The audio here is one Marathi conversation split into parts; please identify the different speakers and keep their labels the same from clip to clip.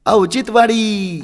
Speaker 1: औचित्यवाडी.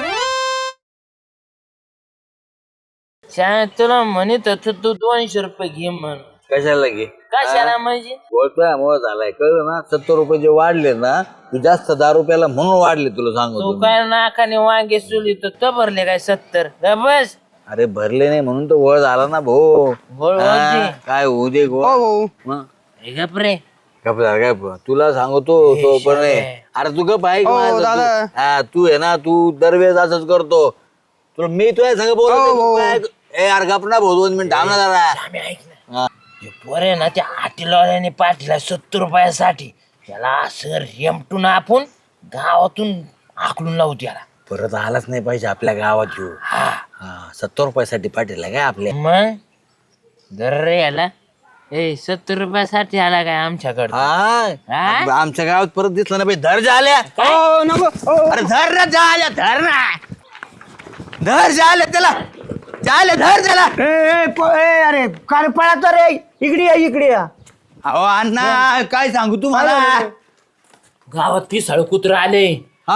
Speaker 2: शाळेत तुला म्हणत होत तू 200 रुपये घे म्हण.
Speaker 3: कशाला घे?
Speaker 2: कशाला म्हणजे?
Speaker 3: मुळे झालाय कळलं ना. 70 रुपये जे वाढले ना तू जास्त 10 रुपयाला म्हणून वाढले तुला
Speaker 2: तू
Speaker 3: सांगतो.
Speaker 2: काय नाकाने वांगे सुली तर भरले काय 70? बस
Speaker 3: अरे भरले नाही म्हणून तो वळ झाला ना भाऊ.
Speaker 2: वळ होती.
Speaker 3: काय होऊ दे
Speaker 2: गप रे.
Speaker 3: गप झाला काय तुला सांगतो तो पण नाही. अरे तू गप आहे तू आहे ना तू दरवेळेस असंच करतो. तुला मी तुला सांग बोल यार गप ना भाऊ 2 मिनिट थांब ना जरा.
Speaker 2: ऐक ना पोरे ना त्या आटीलावाल्याने पाठीला 70 रुपयासाठी त्याला असं रेमटून आपण गावातून आकलून लावू त्याला.
Speaker 3: परत आलाच नाही पाहिजे आपल्या गावात येऊ. 70 रुपयासाठी पाठीला काय आपल्या.
Speaker 2: मग दर रे याला 70 रुपयासाठी आला काय आमच्याकडे?
Speaker 3: आमच्या गावात परत दिसला ना भाई. धर झाल्या अरे धर ना झाल्या धर ना धर झाल्या त्याला झाल्या धर त्याला.
Speaker 4: अरे काय पळा रे इकडे या.
Speaker 3: अहो अण्णा काय सांगू तुम्हाला.
Speaker 2: गावात पिसाळ कुत्र आले.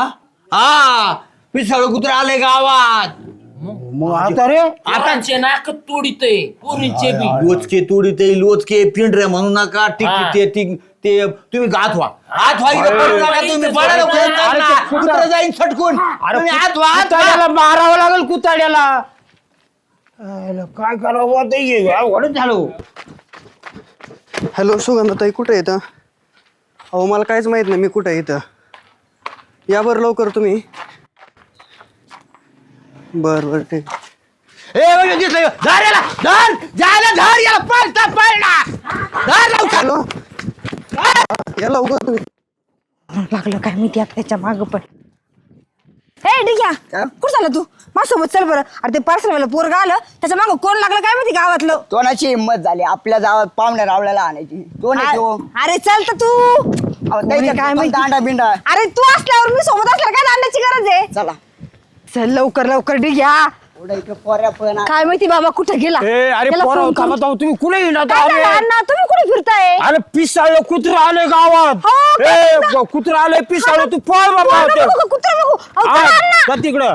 Speaker 3: पिसाळ कुत्र आले गावात.
Speaker 4: मग आता रे
Speaker 2: आताचे नाक तोडीते पोरींचे बी.
Speaker 3: लोचके तोडी ते लोचके पिंढरे म्हणू नका. ते तुम्ही हात व्हा तुम्ही कुत्र जाईन सटकून. हात व्हा
Speaker 4: मारावं लागेल कुताड्याला. काय करावं ते झालो.
Speaker 5: हॅलो सुगंधाताई कुठे येतं? अहो मला काहीच माहित नाही मी कुठे येतं. या बरं लवकर तुम्ही. बरं ठीक. हॅलो या लवकर तुम्ही.
Speaker 6: लागलं काय माहिती आता त्याच्या माग पण. हे डिग्या कुठं झालं तू माझ्यासोबत चल बरं. अरे ते पार्सलवाला पोरगा आलं त्याच्या मागं कोण लागलं काय माहिती गावातलं.
Speaker 4: तोंडाची हिंमत झाली आपल्या गावात पाहुण्या रावल्याला आणायची.
Speaker 6: अरे चल तर तू
Speaker 4: काय माहिती दांडा बिंडा.
Speaker 6: अरे तू असल्यावर मी सोबत असल्यावर काय दांड्याची गरज आहे.
Speaker 4: चला
Speaker 6: चल लवकर लवकर डिग्या. काय माहिती बाबा कुठं गेला.
Speaker 4: अरे
Speaker 6: त्याला फोन करू.
Speaker 4: तुम्ही कुठे येणार?
Speaker 6: काय झालं अण्णा तुम्ही कुठे फिरताय?
Speaker 4: अरे पिसाळ कुत्र आले गावात. कुत्र आले पिसाळ तू पळ बाबा.
Speaker 6: कुत्रा बघू अण्णा
Speaker 4: तिकडं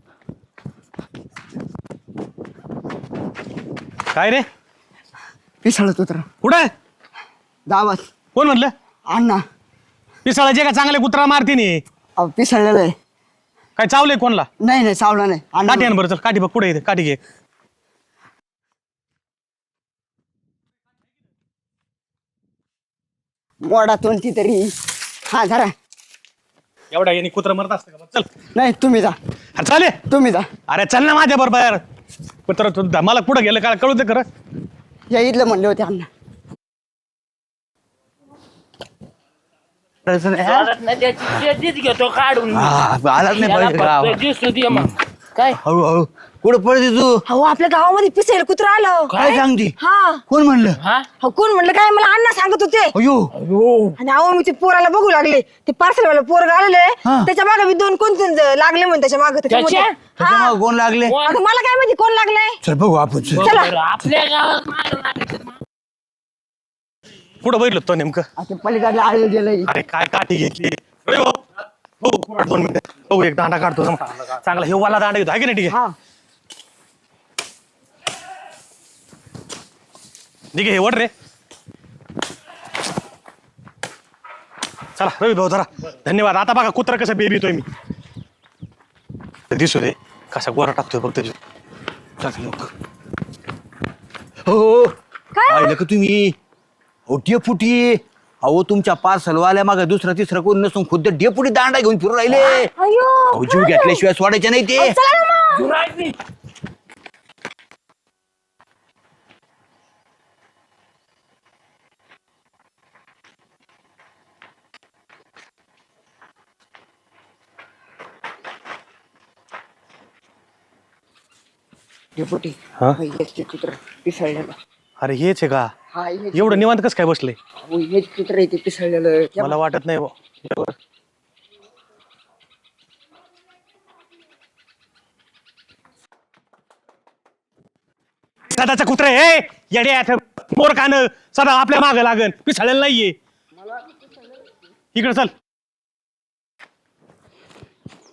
Speaker 7: काय रे
Speaker 4: पिसाळ कुत्र
Speaker 7: कुठं
Speaker 4: गावात.
Speaker 7: कोण म्हणलं?
Speaker 4: अण्णा
Speaker 7: पिसाळाचे का चांगले कुत्रा मारते नी.
Speaker 4: पिसाळलेलं आहे.
Speaker 7: काय चावलंय कोणला?
Speaker 4: नाही सावला नाही.
Speaker 7: काठी आण बरं चल. काठी बघ कुठे येते काठी घे.
Speaker 4: मोडा तोंडची तरी. हा धरा.
Speaker 7: एवढा यांनी कुत्रा मरत असतं का? चल
Speaker 4: नाही तुम्ही जा.
Speaker 7: चाले
Speaker 4: तुम्ही जा.
Speaker 7: अरे चल ना माझ्या बरोबर. कुत्रा मला कुठं गेलं काय कळू दे खरं.
Speaker 4: या इथलं म्हणले होते अण्णा.
Speaker 2: घेतो काढून.
Speaker 3: आलाच नाही पाहिजे गावात.
Speaker 2: दिसू दे मग काय.
Speaker 3: हळूहळू कुठं पडते तू?
Speaker 6: हो आपल्या गावामध्ये पिसेल कुत्रा आलं.
Speaker 3: काय सांगते?
Speaker 6: हा
Speaker 3: कोण म्हणलं?
Speaker 6: हो कोण म्हणलं काय मला अण्णा सांगत होते. आणि अहो मी ते पोराला बघू लागले. ते पार्सलवाला पोरगा आलेले त्याच्या मागे मी 2 कोण लागले म्हणून त्याच्या मागे.
Speaker 3: त्याच्यामुळे कोण लागले?
Speaker 6: आता मला काय माहिती कोण लागलंय.
Speaker 3: चल बघू आपण.
Speaker 6: चला
Speaker 2: आपल्या गावात
Speaker 7: कुठं बघितलं तो नेमकं?
Speaker 4: पलीकडला आळे गेलंय.
Speaker 7: अरे काय काठी घेतली. हो 2 मिनिटं. हो एक दांडा काढतो चांगला. हे वाला दांडा घेतो आहे की नाही? ठीक आहे ठीक आहे. हे वड रे. चला रवी भाऊ धरा. धन्यवाद. आता बघा कुत्रा कसं बेबीतोय मी. दिसू दे कसा गोरा टाकतोय बघ त्याच्या.
Speaker 3: हो पाहिलं का तुम्ही? हो डेपुटी. अहो तुमच्या पार्सलवाल्या मागे दुसरा तिसरा कोण नसून खुद्द डेपुटी दांडा घेऊन फिरून राहिले. अहो जीव घेतल्याशिवाय सोडायचे नाही ते.
Speaker 4: डेपुटी चित्र पिसाळलेलं.
Speaker 7: अरे हेच आहे का?
Speaker 4: हा
Speaker 7: एवढं निवांत कसं काय बसले?
Speaker 4: हेच चित्र आहे ते पिसाळलेलं.
Speaker 7: मला वाटत नाही. सदाचा कुत्रा आहे येड्या. मोर कान सदा आपल्या मागे लागन. पिसाळलेलं नाहीये. इकडे चल.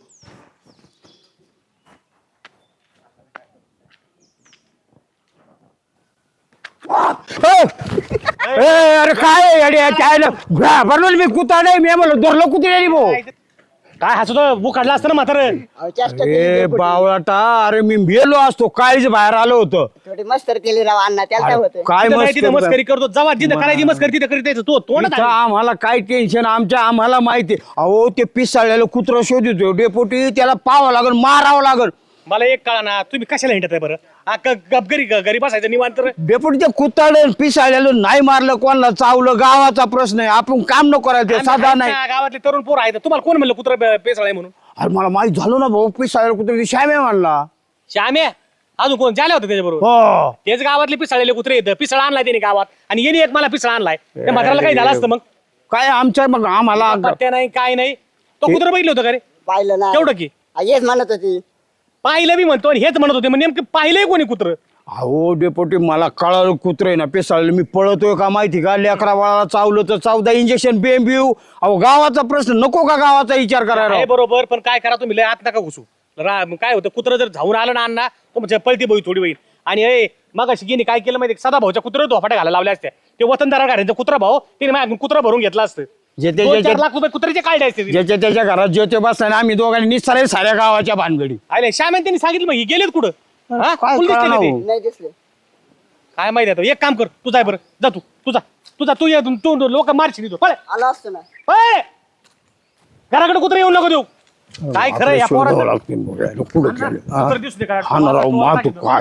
Speaker 4: अरे काय अरे काय बनवलं मी कुत्रा नाही मी म्हणलो धरलं कुत्र्यानी भाऊ
Speaker 7: काय हसतो बुक काढला असतं ना म्हातारं.
Speaker 4: ए बावळाटा अरे मी मेलो असतो काळीच बाहेर आलो होतो
Speaker 1: थोडी मस्तर केली राव अण्णा त्याला काय होतं
Speaker 4: काय
Speaker 7: तिथं नाही तिथं
Speaker 4: मस्त
Speaker 7: मस्करी करतो जेव्हा जिथं करायची मस्करी तिथं करीत यायचं. तो तोंड
Speaker 4: इथं आम्हाला काय टेन्शन आम्हाला माहिती अहो ते पिसाळलेलं कुत्र शोधितो डेपोटी त्याला पाहावं लागल मारावं लागल
Speaker 7: मला एक कळा ना तुम्ही कशाला हिंडत आहे बरं घरी बसायचं निवांत तर.
Speaker 4: डेपोटी ते कुत्ताळलं पिसाळलेलं नाही मारलं कोणाला चावलं गावाचा प्रश्न आहे आपण काम न करायचं ते साधा नाही
Speaker 7: गावातले तरुण पोर आहेत तुम्हाला कोण म्हणलं कुत्रा पेसळ आहे म्हणून.
Speaker 4: अरे मला माहित झालं ना भाऊ पिसाळलेलं कुत्र श्यामे म्हणला
Speaker 7: श्याम्या अजून कोण झाले होते त्याच्याबरोबर.
Speaker 4: हो
Speaker 7: तेच गावातले पिसाळलेले कुत्रे येतं पिसाळ आणलाय त्याने गावात आणि येणे एक मला पिसाळ आणलाय त्या म्हाताराला काही झालं असतं मग.
Speaker 4: काय आमच्या मग आम्हाला
Speaker 7: पत्त्या नाही काय नाही तो कुत्रा बघितलं होतं का रे.
Speaker 1: पाहिलं ना
Speaker 7: तेवढं की
Speaker 1: हेच म्हणत होती
Speaker 7: पाहिलं मी म्हणतो आणि हेच म्हणत होते मग नेमकं पाहिलंय कोणी कुत्र.
Speaker 4: अहो डेपोटी मला कळालं कुत्रे ना पेसाळलं मी पळतोय का माहिती का लेकरा बाळाला चावलं तर 14 इंजेक्शन बेंबिऊ अहो गावाचा प्रश्न नको का गावाचा विचार करायला
Speaker 7: आहे बरोबर पण काय करा तुम्ही लय आत नका घुसू. काय होतं कुत्र जर धावून आलं ना अण्णा तो म्हणजे पळती बघी थोडी होईल. आणि मग अशी गेली काय केलं माहिती सदा भाऊच्या कुत्रा धोपाट्या घालायला लावल्या असत्या ते वतनदारा घरांचा कुत्रा भाऊ तिने माझ्याकडून कुत्रा भरून घेतला असतं.
Speaker 4: जे
Speaker 7: 2-4 लाख रुपये कुत्र्याचे काढले असते तिने.
Speaker 4: ज्याच्या त्याच्या घरात ज्योती बसताना आम्ही दोघांनी निसारे साऱ्या गावाच्या भानगडी
Speaker 7: आले श्यामेन त्यांनी सांगितलं मग हे गेलेत कुठं हा?
Speaker 4: काय
Speaker 7: फुल दिसते
Speaker 4: कळणार
Speaker 7: ते.
Speaker 4: हो?
Speaker 1: नाही दिसले
Speaker 7: काय माहिती आता एक काम कर तू जाय बरं जा तू ये तू लोक मारशी तू पळ
Speaker 1: आलो असतो ना
Speaker 7: पळ. घराकडे कुत्रा येऊन नको देऊ. काय खरं या पोराचं कुत्रं दिसू दे का?
Speaker 4: मातो काय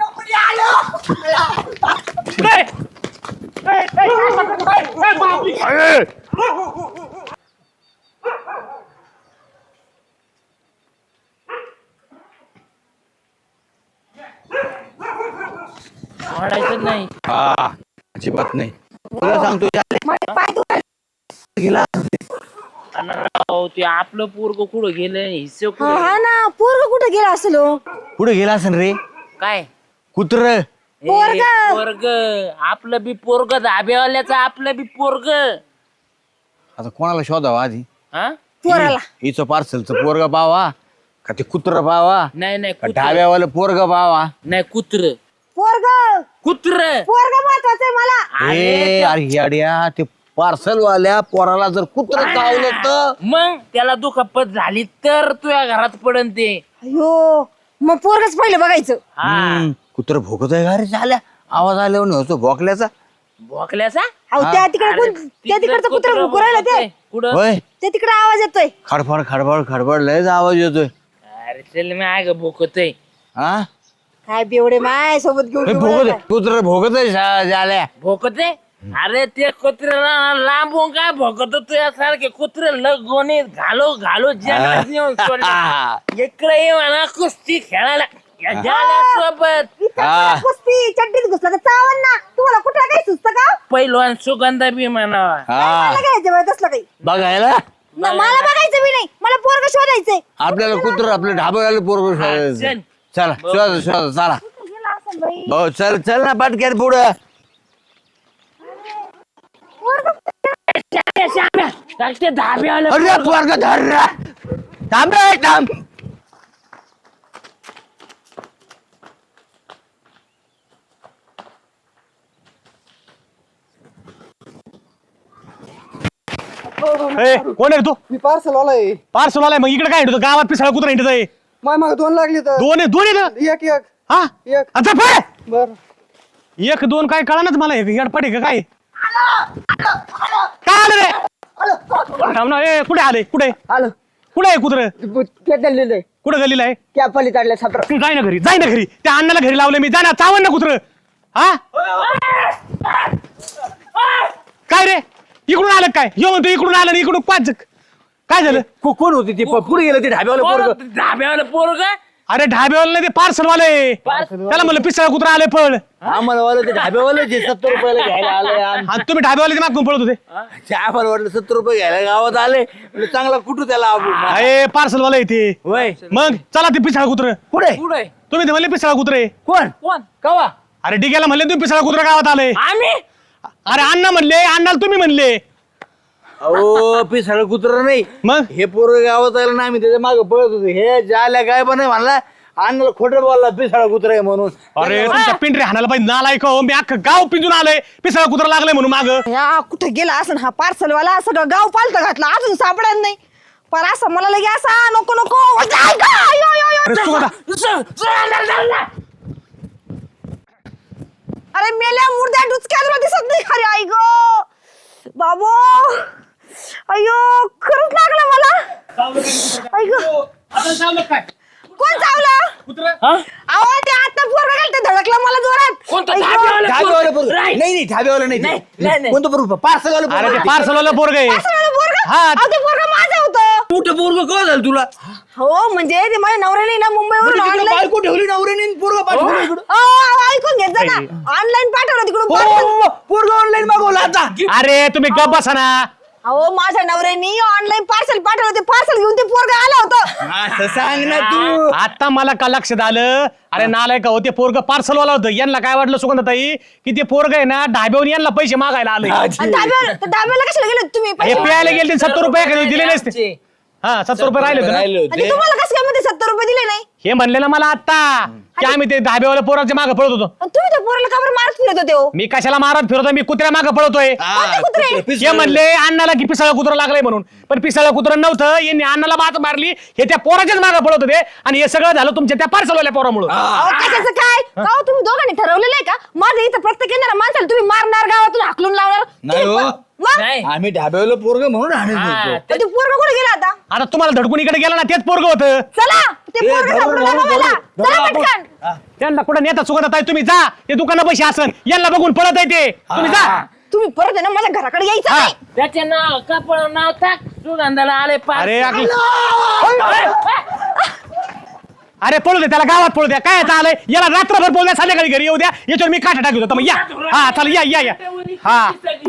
Speaker 7: ए, बापरे.
Speaker 2: वाढायचं नाही.
Speaker 3: अजिबात नाही तुला सांगतो गेला
Speaker 2: अहो, ते आपलं पोरग कुठं गेलं हिस्से कुठं
Speaker 6: हा ना पोरग कुठं गेला असेल हो?
Speaker 3: पुढे गेला असेल रे
Speaker 2: काय
Speaker 3: कुत्र
Speaker 6: पोरगं.
Speaker 2: पोरग आपलं बी पोरग धाब्यावाल्याचं आपलं बी पोरग.
Speaker 3: आता कोणाला शोधावा आधी
Speaker 2: हा
Speaker 6: पोराला
Speaker 3: हिचं पार्सलचं पोरगा पावा का ते कुत्र पावा
Speaker 2: नाही नाही
Speaker 3: का ढाब्यावाला पोरगा पावा
Speaker 2: नाही कुत्र
Speaker 6: पोरग
Speaker 2: कुत्र
Speaker 6: पोरग महत्वाचं आहे मला
Speaker 3: ए अरे येड्या ते पार्सल वाल्या पोराला जर कुत्र चावलं तर
Speaker 2: मग त्याला दुखापत झाली तर तुझ्या घरात पडन ते.
Speaker 6: अयो मग पोरगच पहिलं बघायचं.
Speaker 3: कुत्र भोगत आहे का रे झाल्या आवाज आल्यावर नव्हतो भोकल्याचा
Speaker 2: भोकल्याचा
Speaker 6: अहो त्या तिकडे कोण त्या तिकडचं कुत्र भुकू राहिलं ते
Speaker 2: कुठं
Speaker 3: होय
Speaker 6: ते तिकडे आवाज येतोय.
Speaker 3: खडफड खडबड खडबड लयच आवाज येतोय
Speaker 2: अरे चल मी आग भोकतय.
Speaker 3: हा
Speaker 6: काय बेवडे माय सोबत घेऊन
Speaker 3: हे
Speaker 6: घेऊन
Speaker 3: भोगत
Speaker 6: राहिलाय.
Speaker 3: आहे. कुत्र भोगत आहे झाल्या
Speaker 2: भोकते अरे ते कुत्र्याला लांबून काय भोकत तुझ्यासारखे कुत्रे लगोनी घालो घालो जंगलात नेऊन सोडले. इकडे ये म्हणा कुस्ती खेळायला या जाल्यासोबत.
Speaker 3: हा.
Speaker 6: कुस्ती चड्डीत घुसला तर चावन ना तुम्हाला कुठला काही सुचतं का
Speaker 2: पैलवान सुगंधा बी म्हणावा.
Speaker 3: हा
Speaker 6: मला घ्यायचं बरं तसलं काही
Speaker 3: बघायला
Speaker 6: मला बघायचं बी नाही मला पोरग शोधायचंय.
Speaker 3: आपल्याला कुत्र आपलं ढाब्याला पोरग
Speaker 2: चल.
Speaker 3: चला शोधा शोधा चला
Speaker 6: गेला असेल बाई.
Speaker 3: हो चल चल ना पाटक्यात पुढं
Speaker 2: ते धाब्यावाला
Speaker 3: अरे पोरग धर रे. थांब रे थांब
Speaker 7: कोण आहे रे तू
Speaker 5: मी पार्सल आलाय
Speaker 7: पार्सल आलाय मग इकडे काय हिंडतो गावात पिसाळ कुत्रा हिंडत आहे.
Speaker 5: माय माग 2 लागली तर
Speaker 7: दोन येतं
Speaker 5: एक एक
Speaker 7: हा
Speaker 5: एक
Speaker 7: आता पळ.
Speaker 5: बर
Speaker 7: 1-2 काय कळानच मला येडपड आहे का काय काय आलं रे थांब ना ए कुठे आले कुठे
Speaker 1: आलो
Speaker 7: कुठे आहे कुत्र
Speaker 1: ते दिलेलं
Speaker 7: कुठे गलीला आहे
Speaker 1: त्या पलीकडल्या सत्र
Speaker 7: तू जाय ना घरी त्या अण्णाला घरी लावलं मी जा ना चावन ना कुत्र हा काय रे इकडून आलं काय येऊ म्हणतो इकडून आलं आणि इकडून 5 काय झालं
Speaker 3: कोण होती ती पुढे गेलं ते ढाब्यावाला पोरग
Speaker 2: धाब्यावाला पोरग
Speaker 7: अरे ढाब्यावाला नाही ते पार्सल वाले त्याला म्हणलं पिसाळ कुत्रा आले पळ
Speaker 3: आम्हाला वाला ते ढाब्यावाला जे 70 रुपयाला घ्यायला आले
Speaker 7: आणि तुम्ही ढाब्यावाले मागून पळत होते
Speaker 3: आम्हाला वाटलं 70 रुपये घ्यायला गावात आले म्हणजे चांगला कुठू त्याला आपण
Speaker 7: अरे पार्सल वाला येते
Speaker 3: होय
Speaker 7: मग चला ते पिसाळ कुत्र
Speaker 3: पुढे
Speaker 2: पुढे
Speaker 7: तुम्ही ते म्हणले पिसाळ कुत्रे
Speaker 3: कोण
Speaker 2: कोण कवा
Speaker 7: अरे डिग्याला म्हणले तुम्ही पिसाळ कुत्रा गावात आले
Speaker 2: आम्ही
Speaker 7: अरे अण्णा म्हणले अण्णाला तुम्ही म्हणले
Speaker 3: अहो पिसाळ कुत्र नाही
Speaker 7: मग
Speaker 3: हे पोरग गावात आलं ना आम्ही त्याच्या मागे पळत होतो हे जाल्या काय पण म्हणला अण्णाला खोटं बोलला पिसाळा कुत्रा आहे म्हणून.
Speaker 7: अरे तुमच्या पिंढरे हाणायला पाहिजे नालायक हो. मी अख्खं गाव पिंजून आलोय पिसाळा कुत्रा लागलाय म्हणून माग.
Speaker 6: या कुठे गेला असं हा पार्सलवाला सगळं गाव पालतं घातलं अजून सापडत नाही. पण असं मला लगे असा नको नको जाय का? यो, यो, यो. अरे मेल्या मुर्द्या डुचक्या तुला दिसत नाही. अरे आई गो बाबू अयो खरंच लागलं मला. आई गो
Speaker 7: काय
Speaker 6: कोण चावलं?
Speaker 7: कुत्रा
Speaker 6: अहो ते आता पोरगं गेलं ते धडकलं मला जोरात.
Speaker 2: कोणतं
Speaker 6: आई गो.
Speaker 2: धाब्यावालं
Speaker 3: धाब्यावाला
Speaker 2: पोरगं?
Speaker 3: पोरगं.
Speaker 2: Right.
Speaker 3: नाही धाब्यावाला नाही
Speaker 2: नाही,
Speaker 3: ते.
Speaker 2: नाही.
Speaker 3: कोणतं बरोबर पार्सल आलं
Speaker 7: अरे ते पार्सलवाला पोरग आहे.
Speaker 6: पार्सलवालं पोरगं?
Speaker 7: हा.
Speaker 6: अहो, ते पोरगं माझं होतं.
Speaker 3: मोठं पोरगं काय झालं तुला?
Speaker 6: हो म्हणजे ते माझ्या नवऱ्याने ना मुंबईवरून
Speaker 3: म्हणजे तिकडं
Speaker 6: ऑनलाईन
Speaker 3: बायको ठेवली नवऱ्याने पोरगं पाठवलं इकडं.
Speaker 6: ऐकून घेत जा ना ऑनलाईन पाठवलं तिकडून parcel.
Speaker 3: हो, पोरगं ऑनलाईन मागवलं आता.
Speaker 7: अरे तुम्ही गप बसा ना.
Speaker 6: अहो माझ्या नवऱ्याने ऑनलाईन पार्सल पाठवलं ते पार्सल घेऊन ते पोरगं आलं होतं.
Speaker 3: असं सांग ना तू.
Speaker 7: आता मला का लक्षात आलं. अरे नालायक हो ते पोरग पार्सलवाला होतं. यांना काय वाटलं सुगंधताई की ते पोरग आहे ना ढाब्यावर यांना पैसे मागायला आले.
Speaker 6: आणि डाब्याला कशाला गेले तुम्ही
Speaker 7: हे
Speaker 6: पैसे?
Speaker 7: प्यायला गेले 70 रुपये दिले नसते. हा 70 रुपये राहिले होते ना.
Speaker 3: राहिले
Speaker 6: आणि
Speaker 3: होते.
Speaker 6: तुम्हाला कसं काय मध्ये 70 रुपये दिले नाही?
Speaker 7: हे म्हणले ना मला आता की आम्ही ते ढाब्यावाल्या पोराच्या मागे पळत होतो.
Speaker 6: आणि तुम्ही त्या पोराला का बरं मारत फिरत होते हो?
Speaker 7: मी कशाला मारत फिरतोय मी कुत्र्या मागे पळतोय.
Speaker 3: हा,
Speaker 6: कुत्रे?
Speaker 7: हे म्हणले अण्णाला की पिसाळा कुत्रा लागलाय म्हणून. पण पिसाळा कुत्रा नव्हतं. यांनी अण्णाला बात मारली. हे त्या पोराच्याच मागे पळत होते आणि हे सगळं झालं तुमच्या त्या पार्सलवाल्या पोरामुळे.
Speaker 6: अहो, कशाचं काय का हो, तुम्ही दोघांनी ठरवलेलं आहे का माझं इथं प्रत्येक येणारा माणसाला तुम्ही मारणार गावातून हाकलून लावणार
Speaker 3: नाही
Speaker 6: तुम्ही
Speaker 3: हो.
Speaker 6: मग?
Speaker 2: नाही.
Speaker 3: आम्ही ढाब्यावाला पोरगं म्हणून आणत
Speaker 2: हा,
Speaker 3: होतो.
Speaker 6: पण ते पोरगं कुठे गेला आता?
Speaker 7: आता तुम्हाला धडकून इकडे गेला ना तेच पोरग होतं.
Speaker 6: चला ते
Speaker 3: ए,
Speaker 6: पोरगं
Speaker 3: धरून,
Speaker 6: सापडलं
Speaker 3: धरून,
Speaker 6: ना मला.
Speaker 3: धरून,
Speaker 6: चला
Speaker 3: धरून
Speaker 6: पटकन.
Speaker 7: त्यांना कुठं नेता सुगंधताई तुम्ही जा. ते दुकाना पैसे असन यांना बघून पळत आहे ते. तुम्ही जा.
Speaker 6: तुम्ही परत आहे ना माझ्या घराकडे यायचं
Speaker 7: हा.
Speaker 6: नाही.
Speaker 2: त्याचे नाव कपड नाव टाक सुगंधाला आले
Speaker 7: अरे अरे पळू दे त्याला गावात पळू द्या. काय आता आलंय याला रात्रभर बोलल्या संध्याकाळी घरी येऊ द्या. याच्यावर मी काठा टाकतो. मग या हा चला या या या हा